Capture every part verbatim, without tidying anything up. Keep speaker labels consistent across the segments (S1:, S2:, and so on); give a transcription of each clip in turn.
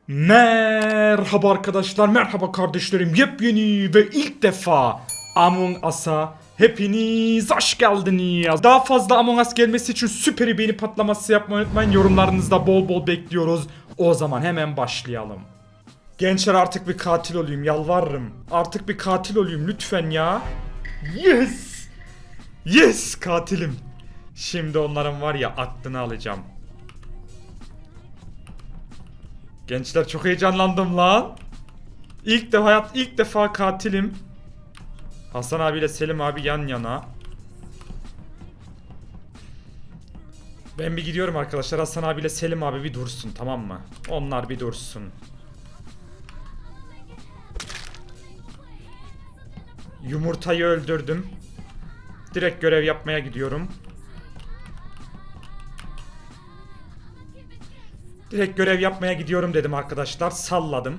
S1: Merhaba arkadaşlar, merhaba kardeşlerim. Yepyeni ve ilk defa Among Us'a hepiniz hoş geldiniz. Daha fazla Among Us gelmesi için süper beğeni patlaması yapmayı unutmayın. Yorumlarınızda bol bol bekliyoruz. O zaman hemen başlayalım. Gençler, artık bir katil olayım, yalvarırım. Artık bir katil olayım lütfen ya. Yes! Yes, katilim. Şimdi onların var ya aklını alacağım. Gençler, çok heyecanlandım lan. İlk de hayat ilk defa katilim. Hasan abiyle Selim abi yan yana. Ben bir gidiyorum arkadaşlar. Hasan abiyle Selim abi bir dursun, tamam mı? Onlar bir dursun. Yumurtayı öldürdüm. Direkt görev yapmaya gidiyorum. Direkt görev yapmaya gidiyorum dedim arkadaşlar. Salladım.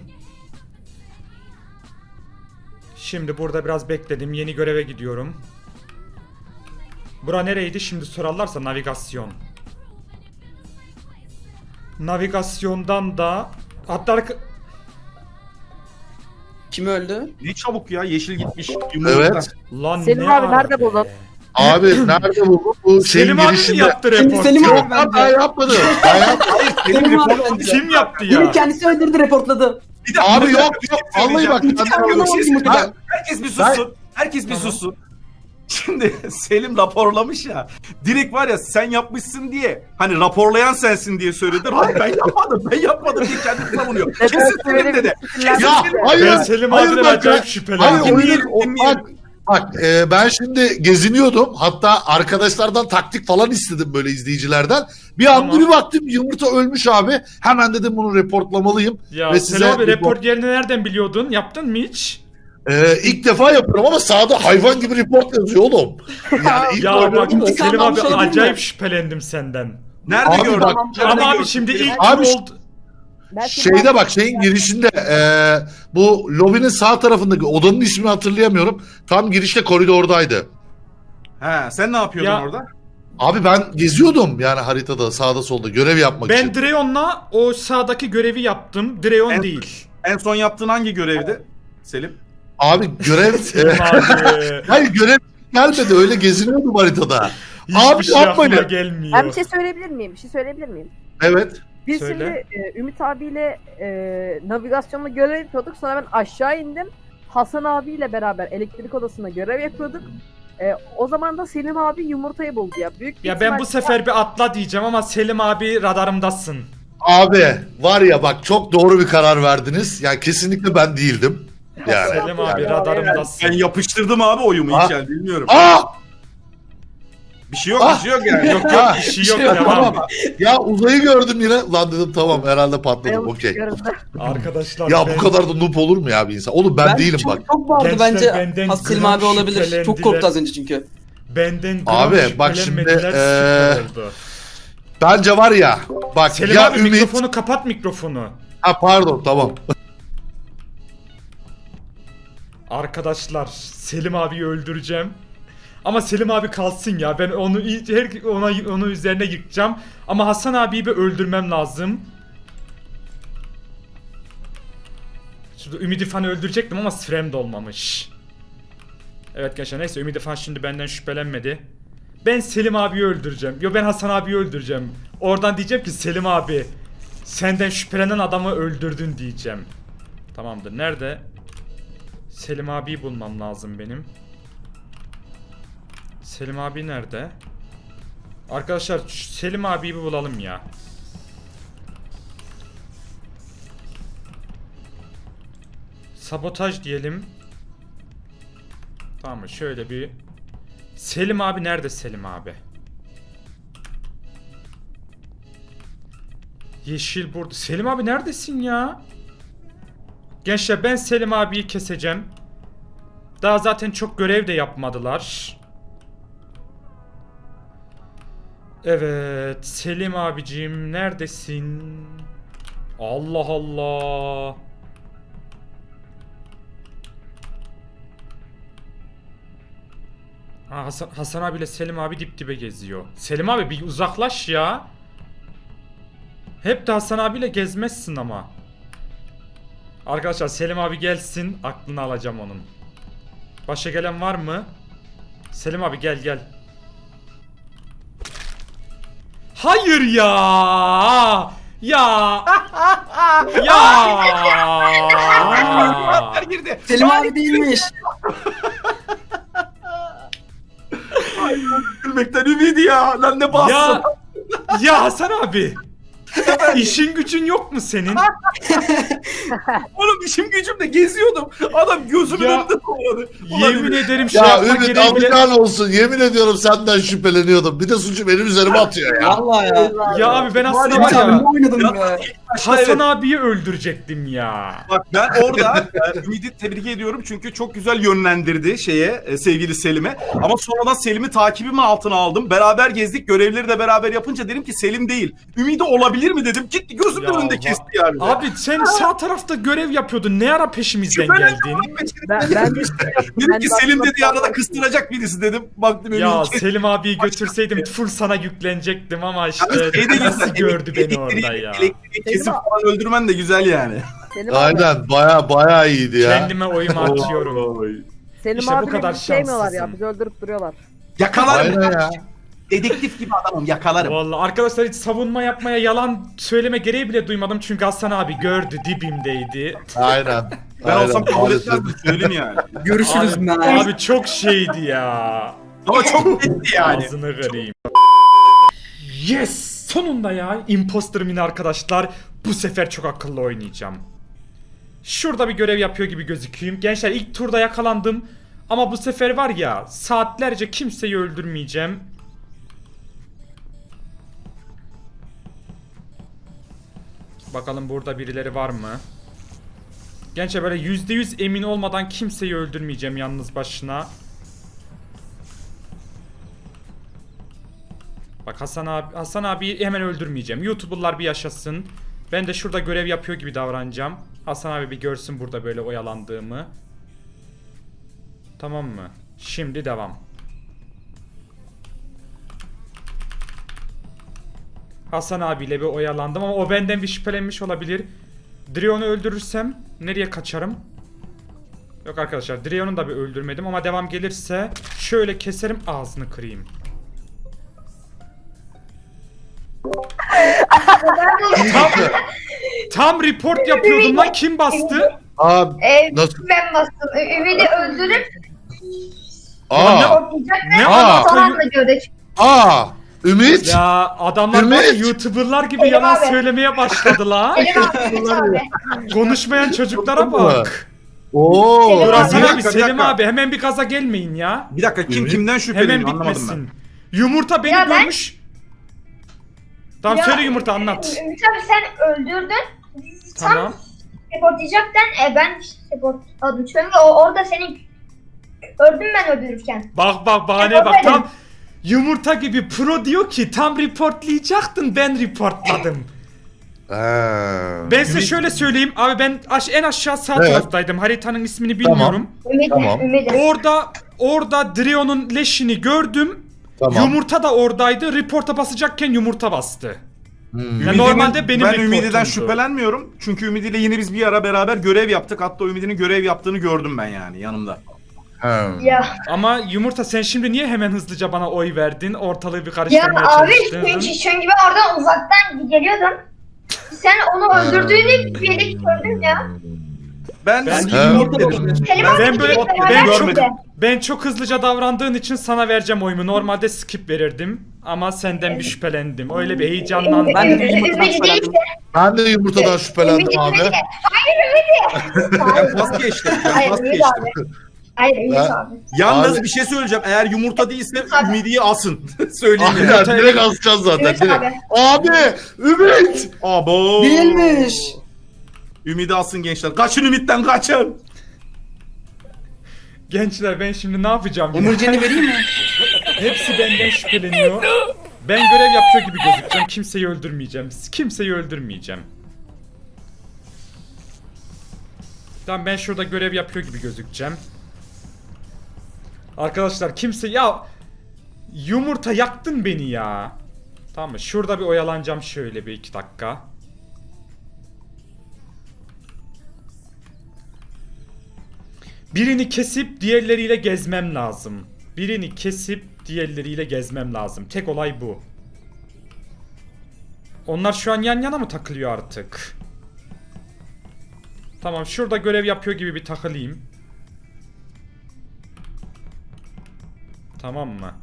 S1: Şimdi burada biraz bekledim. Yeni göreve gidiyorum. Bura nereydi? Şimdi sorarlarsa navigasyon. Navigasyondan da hatta arka...
S2: Kim öldü?
S3: Ne çabuk ya, yeşil gitmiş.
S4: Evet.
S1: Lan
S5: Selim
S1: ne
S5: abi
S1: ara
S5: nerede
S1: be?
S5: buldun?
S4: Abi nerede bu? Bu şeyin
S1: Selim abi mi
S4: girişinde.
S1: yaptı
S2: Şimdi
S1: report?
S2: Selim abi
S4: Yok lan, ben yapmadım. Ben yapmadım.
S2: Selim abi bence.
S1: Kim yaptı
S2: Yine
S1: ya?
S2: kendisi öldürdü, reportladı.
S3: Bir dakika,
S4: Abi
S3: bir
S4: yok
S3: dakika, bir
S4: yok.
S3: şey
S4: Vallahi bak.
S3: söyleyeceğim.
S4: ben-
S2: Anlamadım.
S3: Bir şey
S2: Anlamadım.
S3: söyleyeceğim. Herkes bir sussun. Herkes bir
S1: Tamam.
S3: sussun. Şimdi Selim raporlamış ya. Direkt var ya, sen yapmışsın diye. Hani raporlayan sensin diye söyledi. Hayır, ben yapmadım. Ben yapmadım diye kendini savunuyor. Kesin Selim dedi. Kesin
S4: Ya
S3: Selim.
S4: hayır.
S1: Ben Selim
S4: hayır
S1: abiden
S4: bak,
S1: acayip
S4: Hayır
S1: şüphelendim.
S4: oyun
S3: Dinleyelim,
S4: o-
S3: dinleyelim.
S4: bak. Bak e, ben şimdi geziniyordum. Hatta arkadaşlardan taktik falan istedim böyle izleyicilerden. Bir anda
S1: Tamam.
S4: bir baktım yumurta ölmüş abi. Hemen dedim bunu reportlamalıyım.
S1: Ya
S4: Ve
S1: Selim
S4: size
S1: abi,
S4: report-
S1: report yerini nereden biliyordun? Yaptın mı hiç?
S4: E, ilk defa yapıyorum ama sağda hayvan gibi report yazıyor oğlum. Yani ilk
S1: Ya
S4: oynadım
S1: bak
S4: ama-
S2: İntikam
S1: Selim abi,
S2: almış olabilir mi?
S1: acayip şüphelendim senden.
S3: Nerede
S4: Abi
S3: gördün?
S4: bak-
S3: Nerede
S1: Ama abi
S3: gördün?
S1: şimdi ilk
S4: Abi-
S1: kim oldu?
S5: Ben Selim
S4: Şeyde
S5: abi-
S4: bak şeyin girişinde eee, bu lobinin sağ tarafındaki odanın ismini hatırlayamıyorum. Tam girişte koridordaydı.
S3: He, sen ne yapıyordun
S1: Ya-
S3: orada?
S4: Abi ben geziyordum yani haritada sağda solda görev yapmak
S1: Ben
S4: için.
S1: Dreon'la o sağdaki görevi yaptım. Dreon
S3: En-
S1: değil.
S3: En son yaptığın hangi görevdi? Selim.
S4: Abi görev
S1: Selim
S4: eee,
S1: abi.
S4: hayır görev gelmedi öyle geziniyordum haritada.
S1: Hiçbir
S4: Abi
S1: şey
S4: yapmayın.
S1: aklıma gelmiyor.
S5: Ben bir şey söyleyebilir miyim? Bir şey söyleyebilir miyim?
S4: Evet.
S5: Biz
S1: Söyle.
S5: şimdi e, Ümit abiyle e, navigasyonla görev yapıyorduk. Sonra ben aşağı indim. Hasan abiyle beraber elektrik odasında görev yapıyorduk. E, o zaman da Selim abi yumurtayı buldu ya. Büyük bir
S1: Ya ben bu
S5: ihtimal-
S1: sefer bir atla diyeceğim ama Selim abi radarımdasın.
S4: Abi var ya bak çok doğru bir karar verdiniz. Yani kesinlikle ben değildim. Yani.
S1: Selim abi
S5: Yani-
S1: radarımdasın.
S3: Ben yapıştırdım abi oyumu
S4: Ha?
S3: ilk el, bilmiyorum.
S4: Aa!
S3: Bir şey yok,
S4: Ah!
S3: bir şey yok yani.
S1: Yok yok,
S4: Ha,
S1: bir şey
S4: bir
S1: yok,
S4: şey yok,
S1: devam.
S4: tamam. Ya uzayı gördüm yine. Lan dedim tamam herhalde patladım
S5: Ayağımız
S4: okey.
S5: göründü.
S1: Arkadaşlar
S4: Ya
S1: ben-
S4: bu kadar da noob olur mu ya bir insan? Oğlum ben, değilim
S2: çok,
S4: bak.
S2: Çok bağırdı
S1: Gençler
S2: bence.
S1: benden
S2: Has Selim
S1: gram
S2: abi olabilir. Çok
S1: şüphelendiler.
S2: korktu az önce çünkü.
S1: Benden gram
S4: Abi, bak şimdi,
S1: şüphelenmediler,
S4: eee,
S1: süper oldu.
S4: Bence var ya bak
S1: Selim
S4: ya
S1: abi
S4: Ümit.
S1: mikrofonu kapat, mikrofonu.
S4: Ha pardon tamam.
S1: Arkadaşlar Selim abiyi öldüreceğim. Ama Selim abi kalsın ya. Ben onu her ona onu üzerine yıkacağım. Ama Hasan abiyi bir öldürmem lazım. Şurada Ümidi Fan'ı öldürecektim ama sürem de olmamış. Evet gençler, neyse Ümidi Fan şimdi benden şüphelenmedi. Ben Selim abiyi öldüreceğim. Yo, ben Hasan abiyi öldüreceğim. Oradan diyeceğim ki Selim abi, senden şüphelenen adamı öldürdün diyeceğim. Tamamdır. Nerede? Selim abiyi bulmam lazım benim. Selim abi nerede? Arkadaşlar şu Selim abiyi bir bulalım ya. Sabotaj diyelim. Tamam mı? Şöyle bir... Selim abi nerede Selim abi? Yeşil burada. Selim abi neredesin ya? Gençler ben Selim abiyi keseceğim. Daha zaten çok görev de yapmadılar. Evet, Selim abicim neredesin? Allah Allah. Ha, Hasan, Hasan abiyle Selim abi dip dibe geziyor. Selim abi bir uzaklaş ya. Hep de Hasan abiyle gezmezsin ama. Arkadaşlar Selim abi gelsin. Aklını alacağım onun. Başka gelen var mı? Selim abi gel gel. Hayır ya. Ya. Ya.
S3: Her girdi.
S2: Selim abi değilmiş.
S3: Ay gülmekten ümidi ya. Lan ne bassın.
S1: Ya. Ya Hasan abi. İşin gücün yok mu senin?
S3: Oğlum işim gücümde geziyordum. Adam gözümün
S1: Ya,
S3: önünde koyuyordu. Ulan
S1: Yemin
S3: Ümit,
S1: ederim şey
S4: Ya
S1: yapmak
S4: Ümit
S1: gereği bile...
S4: alacağın olsun. Yemin ediyorum senden şüpheleniyordum. Bir de suçu benim üzerime atıyor ya.
S2: Valla ya.
S1: Ya abi ben aslında
S3: Var
S1: var
S3: ya,
S2: Abi
S1: ya
S2: ne oynadım
S3: Ya.
S2: be.
S3: başta
S1: Hasan
S3: evet.
S1: abiyi öldürecektim ya.
S3: Bak ben orada e, Ümit'i tebrik ediyorum çünkü çok güzel yönlendirdi şeye e, sevgili Selim'e. Ama sonradan Selim'i takibimi altına aldım. Beraber gezdik, görevleri de beraber yapınca dedim ki Selim değil. Ümit'i olabilir mi dedim. Gitti gözümün
S1: Ya
S3: önünde
S1: va-
S3: kesti yani.
S1: Abi sen sağ tarafta görev yapıyordun. Ne ara peşimizden
S3: Şüphelendim
S1: geldin?
S3: oğlum,
S5: Ben,
S3: dedim
S5: ben de
S3: dedim ki
S5: ben de
S3: Selim dedi
S5: aslında-
S3: arada kıstıracak birisi dedim. Baktım
S1: Ya
S3: Ümit
S1: Selim abiyi götürseydim full sana yüklenecektim ama işte
S3: Şey de
S1: nasıl
S3: güzel,
S1: gördü beni
S3: elektriği-
S1: orada ya.
S3: Elektriği kesip falan öldürmen de güzel yani.
S5: Selim abi,
S4: Aynen baya baya iyiydi ya.
S1: Kendime oyumu atıyorum.
S5: Selim
S1: İşte bu
S5: abi
S1: kadar
S5: bizi sevmiyorlar ya.
S1: şanslısın.
S5: Bizi öldürüp duruyorlar.
S3: Yakalarım.
S4: Aynen ya.
S3: Dedektif gibi adamım yakalarım.
S1: Vallahi arkadaşlar hiç savunma yapmaya yalan söyleme gereği bile duymadım çünkü Hasan abi gördü dibimdeydi.
S4: Aynen.
S3: Ben
S4: Aynen,
S3: olsam kabul
S4: maalesef.
S3: etmezdim söyleyeyim yani.
S2: Görüşürüz
S1: Abi,
S2: ben.
S1: abi çok şeydi ya.
S3: Ama çok netti yani.
S1: Ağzını kırayım. Yes! Sonunda ya. Imposter mini arkadaşlar. Bu sefer çok akıllı oynayacağım. Şurada bir görev yapıyor gibi gözüküyorum. Gençler ilk turda yakalandım. Ama bu sefer var ya saatlerce kimseyi öldürmeyeceğim. Bakalım burada birileri var mı? Gençler böyle yüzde yüz emin olmadan kimseyi öldürmeyeceğim yalnız başına. Bak Hasan abi, Hasan abi hemen öldürmeyeceğim. YouTuber'lar bir yaşasın. Ben de şurada görev yapıyor gibi davranacağım. Hasan abi bir görsün burada böyle oyalandığımı. Tamam mı? Şimdi devam. Hasan abiyle bir oyalandım ama o benden bir şüphelenmiş olabilir. Drion'u öldürürsem nereye kaçarım? Yok arkadaşlar, Drion'u da bir öldürmedim ama devam gelirse şöyle keserim, ağzını kırayım. tam, tam report yapıyordum lan, kim bastı?
S4: Abi
S6: Ee,
S4: nasıl?
S6: ben bastım. Ü- Ümidi öldürüp
S4: Aa,
S6: ortayacak
S1: Ne
S6: ve
S1: alaka?
S6: sonra da gördük.
S4: aa, Ümit.
S1: Ya adamlar var ya,
S4: Ümit!
S1: YouTuber'lar gibi
S6: Selim
S1: yalan
S6: abi.
S1: söylemeye başladı la.
S6: Selim abi, Ümit abi.
S1: Konuşmayan çocuklara bak.
S4: Oo.
S6: Selim
S1: Dur
S6: abi.
S1: Hasan
S3: Bir
S1: abi,
S3: dakika, bir
S1: Selim
S3: dakika.
S1: abi hemen bir gaza gelmeyin ya.
S3: Bir dakika kim
S4: Evet.
S3: kimden
S1: Hemen
S3: şüpheleniyor anlamadım ben.
S1: bitmesin. Yumurta beni
S6: Ya ben-
S1: görmüş. Tamam
S6: Ya,
S1: söyle Yumurta, anlat.
S6: Ümit abi sen öldürdün. Tam
S1: Tamam.
S6: reportlayacakken e, ben reportladım. Çünkü o orada seni öldüm ben öldürürken.
S1: Bak bak bahane bak, tam Yumurta gibi pro diyor ki tam reportlayacaktın, ben reportladım.
S4: Ha.
S1: Ben size şöyle söyleyeyim abi, ben aş en aşağı sağ
S4: Evet.
S1: taraftaydım, haritanın ismini bilmiyorum.
S6: Ümidi,
S4: Tamam.
S6: Ümidi.
S1: Orada orada Drion'un leşini gördüm.
S4: Tamam.
S1: Yumurta da oradaydı. Report'a basacakken yumurta bastı.
S4: Hmm.
S1: Ya
S3: Ümidi'nin-
S1: normalde benim
S3: ben
S1: reportumdu.
S3: Ümidi'den şüphelenmiyorum. Çünkü Ümidi'yle yine biz bir ara beraber görev yaptık. Hatta Ümidi'nin görev yaptığını gördüm ben yani yanımda.
S4: Ha.
S6: Ya,
S1: Ama Yumurta sen şimdi niye hemen hızlıca bana oy verdin? Ortalığı bir
S6: ya
S1: karıştırmaya
S6: abi
S1: çalıştın.
S6: çünkü, çünkü ben oradan uzaktan geliyordum. Sen onu öldürdüğünü bir yere gördüm ya.
S3: Ben,
S1: Ben-
S3: ben,
S4: Ha.
S2: Yumurta olabilir.
S6: Selim
S1: Ben
S6: abi
S1: böyle-
S6: gidip
S1: ben
S6: beraber
S1: çok-
S6: gitti.
S1: Ben çok hızlıca davrandığın için sana vereceğim oyumu. Normalde skip verirdim. Ama senden bir şüphelendim. Öyle bir heyecanlandım.
S2: Ben de bir
S6: Ümidi
S2: yumurtadan
S6: değil
S2: şüphelendim.
S6: de-
S4: Ben de yumurtadan
S6: Ümidi,
S4: şüphelendim abi.
S6: Ümidi. Hayır Ümidi. Hayır,
S3: vazgeçtim. Ben
S6: hayır Ümidi
S3: vazgeçtim.
S6: abi. Hayır Ümidi
S4: Ben-
S6: abi.
S3: Yalnız
S4: Abi-
S3: bir şey söyleyeceğim. Eğer yumurta değilse
S6: Abi.
S3: Ümidi'yi asın. Söyleyeyim yani.
S4: Aynen direkt asacağız zaten
S6: Ümit
S4: direkt.
S6: abi.
S4: Abi Ümit.
S3: Abo.
S2: Değilmiş.
S3: Ümidi asın gençler. Kaçın Ümit'ten kaçın.
S1: Gençler ben şimdi ne yapacağım? ya?
S2: Emircan'ı vereyim mi?
S1: Hepsi benden şüpheleniyor. Ben görev yapıyor gibi gözükeceğim. Kimseyi öldürmeyeceğim. Kimseyi öldürmeyeceğim. Tamam, ben şurada görev yapıyor gibi gözükeceğim. Arkadaşlar kimse ya, Yumurta yaktın beni ya. Tamam mı? Şurada bir oyalanacağım şöyle bir iki dakika. Birini kesip diğerleriyle gezmem lazım. Birini kesip diğerleriyle gezmem lazım. Tek olay bu. Onlar şu an yan yana mı takılıyor artık? Tamam, şurada görev yapıyor gibi bir takılayım. Tamam mı?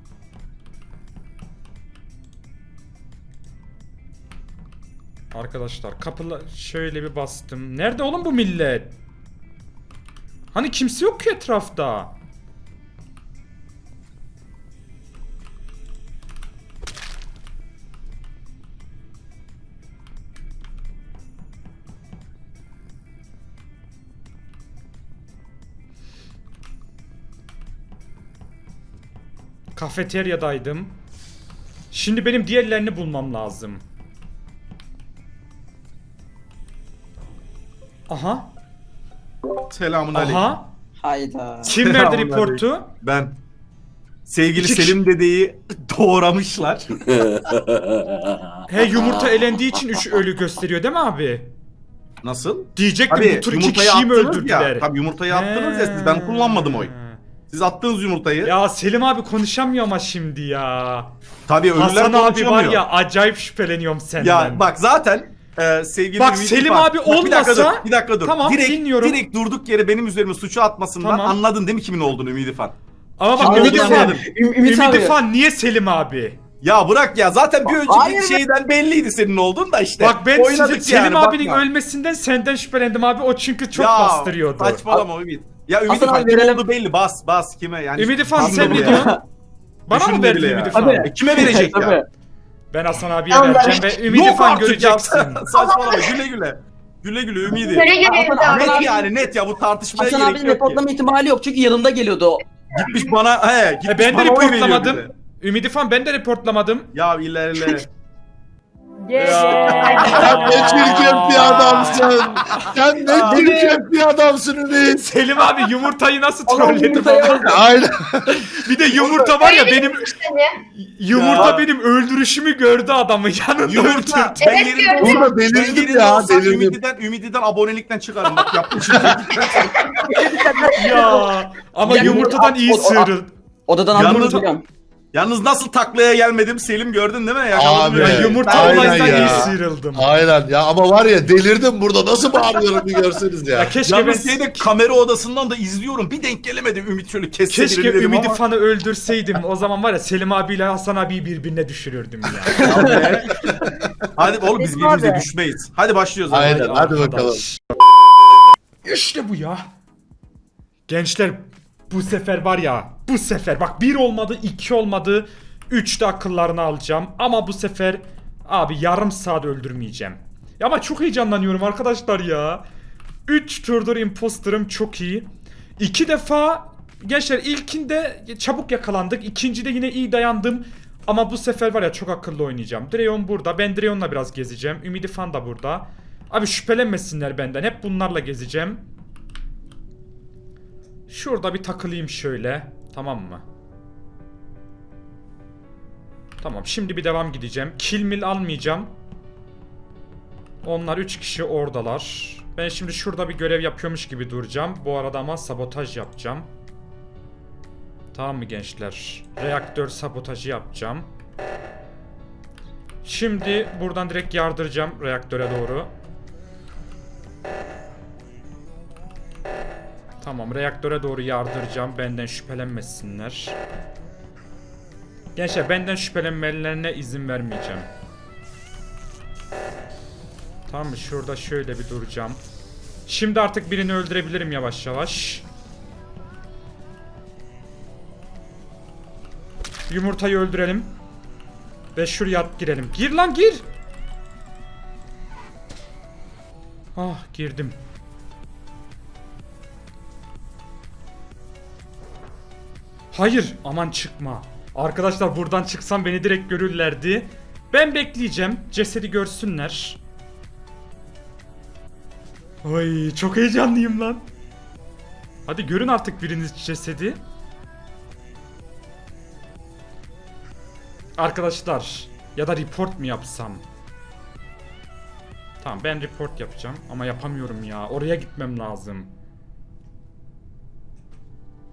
S1: Arkadaşlar kapıla şöyle bir bastım. Nerede oğlum bu millet? Hani kimse yok ki etrafta. Kafeteryadaydım. Şimdi benim diğerlerini bulmam lazım. Aha.
S3: Selamun aleyküm.
S1: Aha.
S2: Hayda.
S1: Kim verdi
S3: Selamun
S1: reportu?
S3: Ben. Sevgili
S1: İki
S3: Selim dedeyi doğramışlar.
S1: He, yumurta elendiği için üç ölü gösteriyor değil mi abi?
S3: Nasıl?
S1: Diyecektim,
S3: Tabii
S1: bu tur iki
S3: yumurtayı
S1: kişiyi mi
S3: attınız
S1: öldürdüler?
S3: ya. Tabii yumurtayı attınız ya siz. Ben kullanmadım oy. Siz attınız yumurtayı.
S1: Ya Selim abi konuşamıyor ama şimdi ya.
S3: Tabii ölüler
S1: Hasan abi var
S3: konuşamıyor.
S1: ya, acayip şüpheleniyorum senden.
S3: Ya bak zaten e, sevgili
S1: Bak,
S3: Ümit
S1: Selim
S3: İrfan-
S1: abi
S3: Bak, bir dakika
S1: olmasa-
S3: dur, bir dakika dur.
S1: Tamam,
S3: direkt,
S1: dinliyorum.
S3: Direkt durduk yere benim üzerime suçu atmasından
S1: Tamam.
S3: anladın değil mi kimin olduğunu Ümit İrfan?
S1: Ama bak,
S3: Şimdi
S1: Ümit
S3: anladım,
S1: İrfan,
S3: anladım.
S2: Üm- Ümit
S1: Ümit
S2: abi.
S1: İrfan niye Selim abi?
S3: Ya bırak ya zaten bir önceki
S2: Hayır be.
S3: şeyden belliydi senin olduğun da işte.
S1: Bak ben
S3: Oynadık
S1: size, Selim
S3: yani,
S1: abinin
S3: bakma.
S1: ölmesinden senden şüphelendim abi, o çünkü çok
S3: Ya,
S1: bastırıyordu.
S3: Saçmalama Ümit. Ya Ümit
S2: Hasan
S3: İrfan
S2: abi
S3: kim
S2: verelim.
S3: olduğu belli, bas bas kime yani.
S1: Ümit İrfan
S3: Anladım
S1: sen ne
S3: ya.
S1: diyorsun? Bana mı
S3: Düşünme
S1: verdin
S3: bile
S1: Ümit
S3: ya.
S1: İrfan?
S2: Tabii.
S3: E, kime verecek
S2: Tabii.
S3: ya?
S1: Ben Hasan abiye
S6: Allah.
S1: vereceğim ve Ümit
S3: Yok
S1: İrfan
S3: artık ya.
S1: göreceksin.
S3: Saçmalama güle güle. Güle güle Ümidi.
S6: Göre göre
S2: Hasan
S6: Ümit abi.
S3: Net
S2: abi-
S3: yani net ya bu tartışmaya
S2: Hasan
S3: gerek
S2: abinin
S3: yok ki.
S2: reportlama ihtimali yok çünkü yanında geliyordu o.
S3: Gitmiş bana he gitmiş
S1: E ben de
S3: bana oy veriyor bir
S1: reportlamadım.
S3: de.
S1: Ümit İrfan, ben de reportlamadım.
S3: Ya ilerle.
S5: Ge-
S4: Sen ne çirkin bir adamsın. Sen ne çirkin bir adamsın Ümit.
S1: Selim abi yumurtayı nasıl
S2: Allah'ım
S1: trolledim
S2: yumurtaya
S1: ama.
S2: bak.
S4: Aynen.
S1: Bir de yumurta var ya, benim
S6: Seni.
S1: yumurta
S3: Ya.
S1: benim öldürüşümü gördü adamı, yanında
S3: Yumurta.
S1: öldürdü.
S3: Ben
S6: Evet,
S3: yerinde
S6: gördüm.
S3: olsam,
S4: Burada
S3: ben
S4: delirdim
S3: yerinde
S4: ya,
S3: olsam
S4: delirdim.
S3: Ümidi'den, Ümidi'den abonelikten çıkarım. Bak yapmışım.
S1: Ya ama
S2: Ya,
S1: yumurtadan
S2: o-
S1: iyi
S2: o- o-
S1: sıyrıldı.
S2: Odadan
S3: Yalnız-
S2: anladım biliyorum.
S3: Yalnız nasıl taklaya gelmedim Selim gördün değil mi? Yakaladım
S4: Abi,
S1: Ya
S3: yani.
S1: yumurta
S4: Aynen
S1: olayından
S4: ya.
S1: iyi sıyrıldım.
S4: Aynen ya, ama var ya delirdim burada, nasıl bağırıyorum bir görseniz ya.
S1: Ya keşke ben
S3: Yalnız şeyde kamera odasından da izliyorum. Bir denk gelemedim Ümit şöyle kesse
S1: keşke
S3: birini dedim
S1: Ümit
S3: ama.
S1: İrfan'ı öldürseydim. O zaman var ya, Selim abiyle Hasan abiyi birbirine düşürürdüm ya.
S3: Abi. Hadi oğlum biz
S5: Selim
S3: birbirimize
S5: abi.
S3: düşmeyiz. Hadi başlıyoruz. abi.
S4: Aynen, hadi bakalım.
S1: Arkadaş. İşte bu ya. Gençler, bu sefer var ya, bu sefer bak, bir olmadı, iki olmadı, üç de akıllarını alacağım. Ama bu sefer abi yarım saat öldürmeyeceğim. Ya ama çok heyecanlanıyorum arkadaşlar ya. üç turdur imposterım, çok iyi. iki defa gençler, ilkinde çabuk yakalandık, ikincide yine iyi dayandım. Ama bu sefer var ya, çok akıllı oynayacağım. Dreon burada, ben Dreon'la biraz gezeceğim. Ümidi Fan da burada. Abi şüphelenmesinler benden, hep bunlarla gezeceğim. Şurada bir takılayım şöyle. Tamam mı? Tamam, şimdi bir devam gideceğim. Kill mill almayacağım. Onlar üç kişi oradalar. Ben şimdi şurada bir görev yapıyormuş gibi duracağım. Bu arada ama sabotaj yapacağım. Tamam mı gençler? Reaktör sabotajı yapacağım. Şimdi buradan direkt yardıracağım reaktöre doğru. Tamam, reaktöre doğru yardıracağım. Benden şüphelenmesinler. Gençler, benden şüphelenmelerine izin vermeyeceğim. Tamam mı? Şurada şöyle bir duracağım. Şimdi artık birini öldürebilirim yavaş yavaş. Yumurtayı öldürelim. Ve şuraya at girelim. Gir lan, gir. Ah, girdim. Hayır, aman çıkma. Arkadaşlar, buradan çıksam beni direkt görürlerdi. Ben bekleyeceğim. Cesedi görsünler. Ay, çok heyecanlıyım lan. Hadi görün artık biriniz cesedi. Arkadaşlar, ya da report mu yapsam? Tamam, ben report yapacağım ama yapamıyorum ya. Oraya gitmem lazım.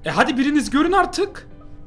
S1: E hadi biriniz görün artık.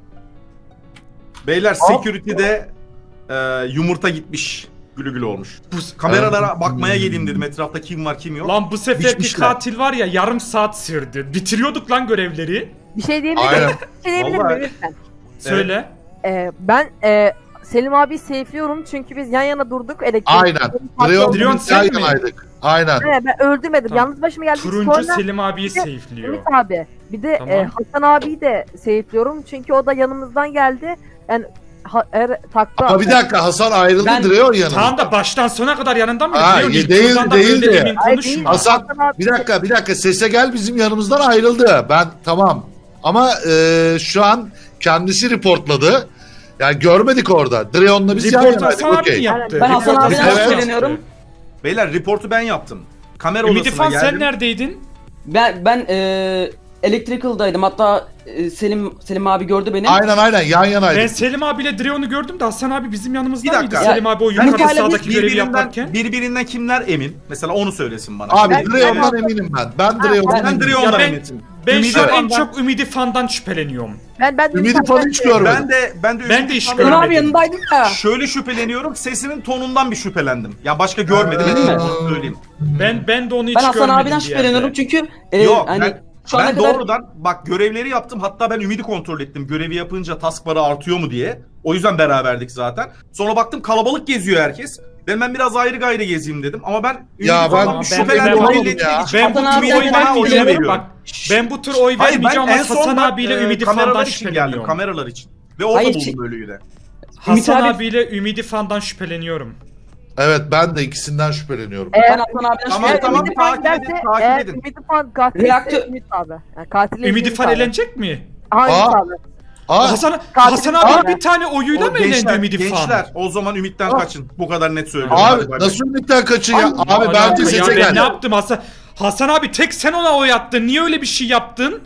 S3: Beyler security'de e, yumurta gitmiş. Gülü gülü olmuş.
S1: Bu,
S3: Kameralara bakmaya geleyim dedim. Etrafta kim var kim yok.
S1: lan bu seferki
S3: Biçmişler.
S1: katil var ya yarım saat sürdü. Bitiriyorduk lan görevleri.
S5: Bir şey diyebilir
S4: Aynen.
S5: miyim? Bir şey diyebilir
S3: Vallahi.
S5: miyim lütfen?
S1: Söyle.
S5: Ee, ben e, Selim abi safe'liyorum çünkü biz yan yana durduk. Elektrik
S4: Aynen. Dreon
S1: Dreon
S4: yan
S1: sen mi?
S4: yanaydık. Aynen.
S5: Evet, ben öldürmedim.
S1: Tamam.
S5: Yalnız başıma geldik.
S1: Turuncu
S5: Sonra
S1: Selim abiyi
S5: Bir de
S1: safe'liyor.
S5: Ümit abi. Bir de
S1: Tamam.
S5: e, Hasan abiyi de safe'liyorum çünkü o da yanımızdan geldi. Yani ha, er, takla.
S4: Ama bir dakika Hasan ayrıldı
S2: Ben-
S4: Dreon yanına.
S1: Tamam da baştan sona kadar yanında mı?
S4: Ha,
S1: Diyor, ilk
S4: değil,
S1: turdan da
S4: değil
S1: böyle
S4: de.
S1: emin
S5: Ay,
S1: konuşma.
S5: değil.
S4: Hasan
S5: abi-
S4: bir dakika bir dakika sese gel bizim yanımızdan ayrıldı. Ben tamam. Ama e, şu an kendisi reportladı. Yani görmedik orada. Dreon'la biz yan
S1: Report
S4: yanaydık.
S1: Hasan abi mi
S4: Okey.
S1: yaptı?
S2: Ben Hasan
S1: Report
S2: abiden
S1: Hasan abi
S2: şüpheleniyorum.
S1: yaptı.
S3: Beyler reportu ben yaptım. Kamera
S1: Ümit
S3: odasına
S1: İrfan
S3: geldim.
S1: sen neredeydin?
S2: Ben ben e, Electrical'daydım. Hatta e, Selim Selim abi gördü beni.
S4: Aynen aynen yan
S1: Ben
S4: yanaydık.
S1: Selim abiyle Dreon'u gördüm de Hasan abi bizim yanımızda
S3: Bir dakika.
S1: mıydı? Selim abi o yukarıda
S2: Ümit hala
S1: sağdaki görevi
S3: Birbirinden,
S1: yaparken.
S3: birbirinden kimler emin? Mesela onu söylesin bana.
S4: Abi
S5: Ben-
S4: Dreon'dan
S5: ben-
S4: eminim ben. Ben
S5: Ha,
S4: Dreon'dan
S3: Ben
S4: eminim.
S3: Dreon'dan
S1: Ya ben-
S3: eminim.
S1: Ben
S3: Ümidi
S1: şu an en
S3: Fan'dan-
S1: çok Ümidi Fan'dan şüpheleniyorum.
S5: Ben ben
S4: Ümidi falan hiç
S5: görmedim.
S4: görmedim.
S3: Ben de ben de
S1: Ben
S3: Ümidi
S1: de hiç
S3: Fan'dan-
S2: Selim abi
S1: görmedim.
S2: yanındaydık ya.
S3: Şöyle şüpheleniyorum. Sesinin tonundan bir şüphelendim. Ya başka görmedim.
S2: Öyle mi?
S3: Onu söyleyeyim.
S1: Ben ben de onu hiç
S2: Ben Hasan
S1: görmedim
S2: abiden
S1: bir
S2: şüpheleniyorum
S1: yerde.
S2: çünkü e,
S3: Yok
S2: hani
S3: ben,
S2: şu ana
S3: ben
S2: kadar
S3: doğrudan bak görevleri yaptım. Hatta ben Ümidi kontrol ettim. Görevi yapınca taskbarı artıyor mu diye. O yüzden beraberdik zaten. Sonra baktım kalabalık geziyor herkes. Ben ben biraz ayrı gayrı gezeyim dedim. Ama ben Ümidi
S4: Ya ben-
S3: falan
S1: ben-
S3: şüphelendim.
S1: ben-
S3: belli etmek
S4: ya.
S3: için
S1: Ben bu
S2: Hasan
S1: tur
S2: abi
S1: oy
S2: ben
S1: vermeyeceğim.
S2: veriyorum.
S1: Bak ben bu tur oy
S3: Hayır ben
S1: vermeyeceğim
S3: en
S1: ama
S3: son
S1: Hasan
S3: bak,
S1: abiyle
S3: e,
S1: Ümidi
S3: kameralar
S1: Fan'dan
S3: için geldim.
S1: şüpheleniyorum.
S3: Kameralar için. Ve orada
S2: Hayır,
S3: buldum ölüyü de.
S1: Hasan
S2: abi-
S1: abiyle Ümidi Fan'dan şüpheleniyorum.
S4: Evet ben de ikisinden şüpheleniyorum.
S5: Eğer,
S2: ben Hasan abiden
S3: Tamam,
S5: eğer
S2: şüpheleniyorum.
S3: tamam.
S5: Ümidi Fan
S3: takip edin,
S5: giderse,
S3: takip
S5: eğer
S3: edin.
S5: Ümidi Fan katilse
S2: Reaktör-
S5: Ümit abi. Yani katili
S1: Ümidi
S5: Ümit
S1: Fan
S5: abi.
S1: elenecek mi?
S5: Hangi
S4: Aa.
S5: abi?
S4: Aa,
S1: Hasan
S5: Katil-
S1: Hasan abi
S5: Aa.
S1: bir tane oyuyla
S3: O
S1: mı elendi
S3: gençler,
S1: Ümidi Fan?
S3: gençler o zaman Ümit'ten
S5: Ah.
S3: kaçın. Bu kadar net söylüyorum.
S4: abi
S3: Hadi bay bay.
S4: nasıl Ümit'ten kaçın ya?
S5: Ay,
S4: Abi
S1: Ya
S4: bence
S1: ya
S4: sese
S1: ben
S4: gel.
S1: ne yaptım Hasan? Hasan abi tek sen ona oy attın. Niye öyle bir şey yaptın?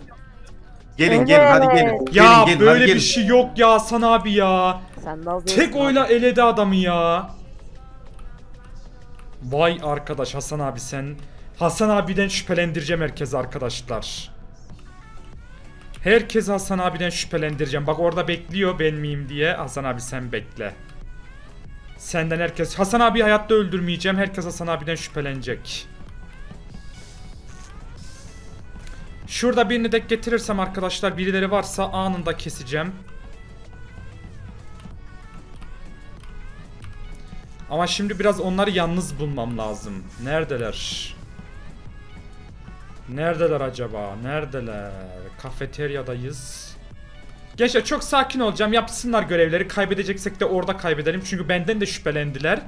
S3: Gelin gelin hadi gelin.
S1: Ya
S3: gelin, gelin,
S1: böyle
S3: hadi
S1: bir
S3: gelin.
S1: şey yok ya Hasan abi ya.
S5: Sen de az
S1: Tek
S5: değilsin
S1: oyla
S5: abi.
S1: eledi adamı ya. Vay arkadaş Hasan abi sen. Hasan abiden şüphelendireceğim herkese arkadaşlar. Herkes Hasan abiden şüphelendireceğim. Bak orada bekliyor ben miyim diye. Hasan abi sen bekle. Senden herkes. Hasan abi hayatta öldürmeyeceğim. Herkes Hasan abiden şüphelenecek. Şurada birini de getirirsem arkadaşlar birileri varsa anında keseceğim. Ama şimdi biraz onları yalnız bulmam lazım. Neredeler? Neredeler acaba? Neredeler? Kafeteryadayız. Gençler çok sakin olacağım. Yapsınlar görevleri. Kaybedeceksek de orada kaybedelim. Çünkü benden de şüphelendiler.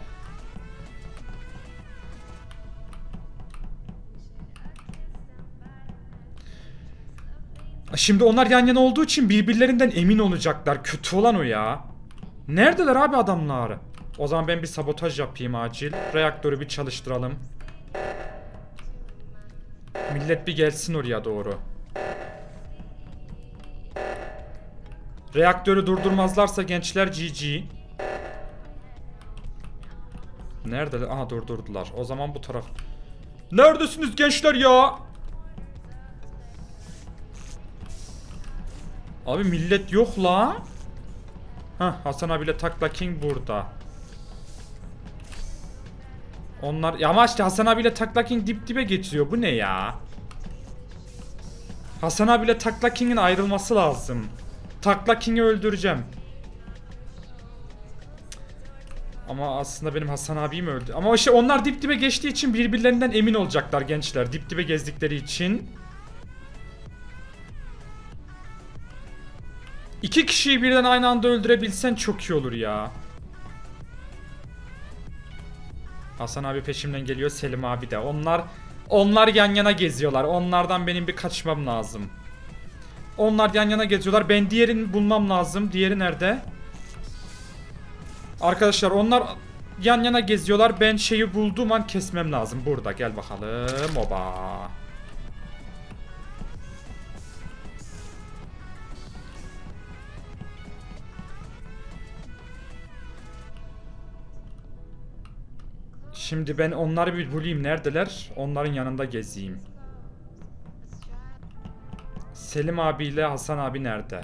S1: Şimdi onlar yan yana olduğu için birbirlerinden emin olacaklar. Kötü olan o ya. Neredeler abi adamlar? O zaman ben bir sabotaj yapayım acil. Reaktörü bir çalıştıralım. Millet bir gelsin oraya doğru. Reaktörü durdurmazlarsa gençler G G. Neredeler? Aha durdurdular. O zaman bu taraf. Neredesiniz gençler ya? Abi millet yok la. Hah Hasan abiyle Takla King burada. Onlar ya ama işte Hasan abiyle Takla King dip dibe geçiyor. Bu ne ya? Hasan abiyle Takla King'in ayrılması lazım. Takla King'i öldüreceğim. Ama aslında benim Hasan abim öldü. Ama işte onlar dip dibe geçtiği için birbirlerinden emin olacaklar gençler. Dip dibe gezdikleri için. İki kişiyi birden aynı anda öldürebilsen çok iyi olur ya. Hasan abi peşimden geliyor, Selim abi de. Onlar onlar yan yana geziyorlar. Onlardan benim bir kaçmam lazım. Onlar yan yana geziyorlar. Ben diğerini bulmam lazım. Diğeri nerede? Arkadaşlar onlar yan yana geziyorlar. Ben şeyi bulduğum an kesmem lazım. Burada gel bakalım. Oba. Şimdi ben onları bir bulayım. Neredeler? Onların yanında gezeyim. Selim abiyle Hasan abi nerede?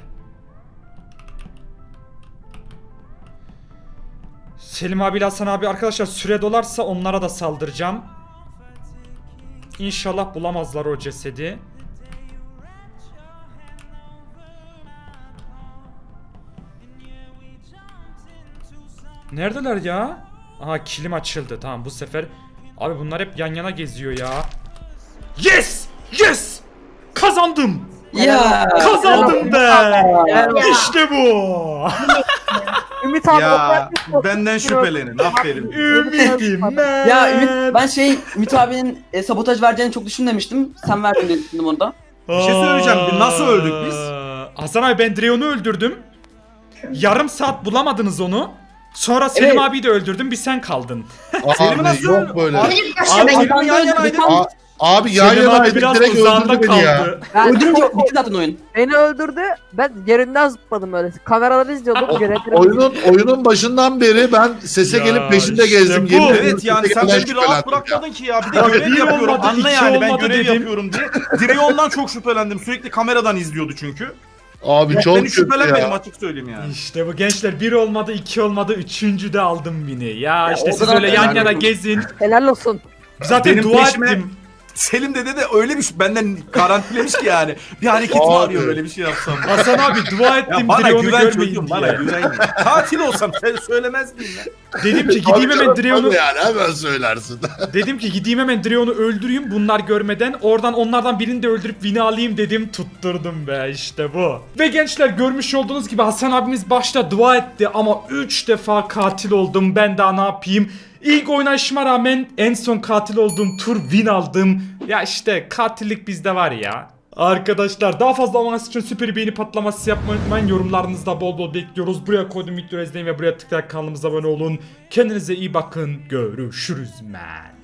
S1: Selim abiyle Hasan abi arkadaşlar süre dolarsa onlara da saldıracağım. İnşallah bulamazlar o cesedi. Neredeler ya? Aha kilim açıldı. Tamam bu sefer. Abi bunlar hep yan yana geziyor ya. Yes! Yes! Kazandım!
S2: Ya.
S1: Kazandım be!
S5: Ya.
S1: İşte bu!
S5: Ümit abi
S3: Ya
S5: o-
S3: benden şüphelenin. Aferin.
S1: Ümidim ben.
S2: Ya Ümit ben şey Ümit abinin e, sabotaj vereceğini çok düşünmemiştim. Sen verdin diye düşündüm orada.
S3: Bir şey söyleyeceğim. Bir nasıl öldük biz?
S1: Hasan abi ben Dreon'u öldürdüm. Yarım saat bulamadınız onu. Sonra Selim
S2: Evet.
S1: abiyi de öldürdüm. Bir sen kaldın.
S3: Selim'i
S4: Abi
S3: nasıl
S4: yok böyle.
S3: Abi,
S6: Çocuk
S3: Abi,
S6: başta ben
S3: Selim'le yan
S2: Hasan
S3: yanaydık.
S2: Hasan-
S4: A- abi yan
S1: Selim abi
S4: yanaydık
S1: biraz
S4: direkt
S1: uzağında
S4: öldürdü beni ya.
S1: kaldı.
S5: Ben
S2: Öldürünce bitti zaten oyun.
S5: beni öldürdü. Ben yerinden zıpladım öyle. Kameraları izliyordum. Görevlerimi
S4: Oyunun oyunun başından beri ben sese
S1: Ya
S4: gelip peşinde
S1: işte
S4: gezdim.
S1: bu.
S4: Yemin ediyorum
S3: Evet yani
S4: sese
S3: sen
S4: gelen
S3: beni bir rahat
S4: şüphelendim
S3: bırakmadın ki ya. Bir de
S1: Ya
S3: görev
S1: bir
S3: yapıyorum.
S1: olmadı,
S3: Anla
S1: iki
S3: yani ben
S1: olmadı
S3: görev
S1: dedim.
S3: yapıyorum diye. Drion'dan çok şüphelendim. Sürekli kameradan izliyordu çünkü.
S4: ya. Abi çok
S3: Beni
S4: kötü
S3: şüphelenmedim
S4: ya.
S3: açık söyleyeyim yani.
S1: İşte bu gençler bir olmadı iki olmadı üçüncü de aldım bini. Ya, işte
S2: o
S1: siz
S2: kadar
S1: öyle yan
S2: helal
S1: yana
S2: olsun.
S1: gezin.
S5: helal olsun.
S1: Zaten
S3: Benim
S1: dua
S3: peşime-
S1: ettim.
S3: Selim dede de öyle bir şey benden garantilemiş ki yani. Bir hareket mi
S4: Abi.
S3: arıyor öyle bir şey yapsam.
S1: Hasan abi dua ettim
S3: Ya bana
S1: Dreon'u
S3: güven
S1: görmeyin
S3: çocuğum
S1: diye.
S3: bana güven. ya. Katil olsam sen söylemez miyim ya?
S1: Dedim ki gideyim hemen
S4: Tabii
S1: Dreon'u
S4: yani hemen söylersin.
S1: dedim ki gideyim hemen Dreon'u öldüreyim bunlar görmeden. Oradan onlardan birini de öldürüp win'i alayım dedim. Tutturdum be işte bu. Ve gençler görmüş olduğunuz gibi Hasan abimiz başta dua etti ama üç defa katil oldum. Ben daha ne yapayım? İlk oynayışıma rağmen en son katil olduğum tur win aldım. Ya işte katillik bizde var ya. Arkadaşlar daha fazla Among Us için süper beğeni patlaması yapmayı unutmayın. Yorumlarınızda bol bol bekliyoruz. Buraya koyduğum videoyu izleyin ve buraya tıklayarak kanalımıza abone olun. Kendinize iyi bakın. Görüşürüz man.